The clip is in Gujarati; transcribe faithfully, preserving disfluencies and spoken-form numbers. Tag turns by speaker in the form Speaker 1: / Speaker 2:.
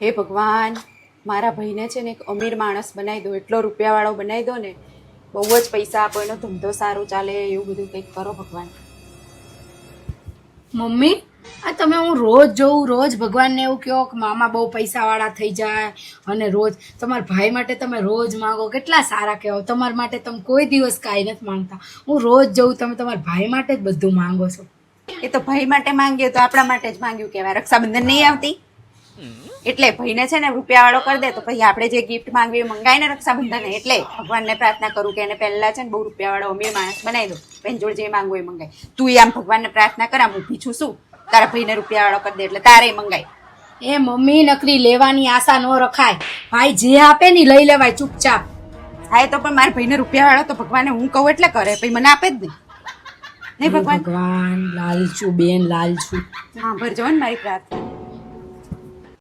Speaker 1: હે ભગવાન, મારા ભાઈને છે ને એક અમીર માણસ બનાવી દો, એટલો રૂપિયાવાળો બનાવી દો ને, બહુ જ પૈસા આપો, એનો ધંધો સારો ચાલે, એવું બધું કંઈક કરો ભગવાન.
Speaker 2: મમ્મી, આ તમે હું રોજ જોઉં, રોજ ભગવાનને એવું કહો કે મામા બહુ પૈસાવાળા થઈ જાય, અને રોજ તમારા ભાઈ માટે તમે રોજ માંગો, કેટલા સારા કહેવો. તમારા માટે તમે કોઈ દિવસ કાંઈ નથી માંગતા. હું રોજ જોઉં તમે તમારા ભાઈ માટે જ બધું માંગો છો.
Speaker 1: એ તો ભાઈ માટે માંગ્યો તો આપણા માટે જ માંગ્યું કહેવાય. રક્ષાબંધન નહીં આવતી એટલે ભાઈને છે ને રૂપિયાવાળો કરી દે, તો પછી આપણે જે ગિફ્ટ માંગવી એ મંગાય ને રક્ષાબંધન. એટલે ભગવાનને પ્રાર્થના કરું કે એને પહેલા છે ને બહુ રૂપિયાવાળો અમીર માણસ બનાવી દો, બેન જોડે જે માંગવું એ મંગાય. તું આમ ભગવાનને પ્રાર્થના કર, આમ ઊભી છું શું, તારા ભાઈને રૂપિયાવાળો કરી દે એટલે તારે મંગાય.
Speaker 2: એ મમ્મી, નકરી લેવાની આશા ન રખાય. ભાઈ જે આપે ને લઈ લેવાય ચૂપચાપ.
Speaker 1: હા, એ તો પણ મારા ભાઈને રૂપિયાવાળો તો ભગવાને હું કહું એટલે કરે, પછી મને આપે જ નહીં. નહીં ભગવાન,
Speaker 2: ભગવાન લાલચું બેન, લાલચું.
Speaker 1: હા ભરજો ને મારી પ્રાર્થના.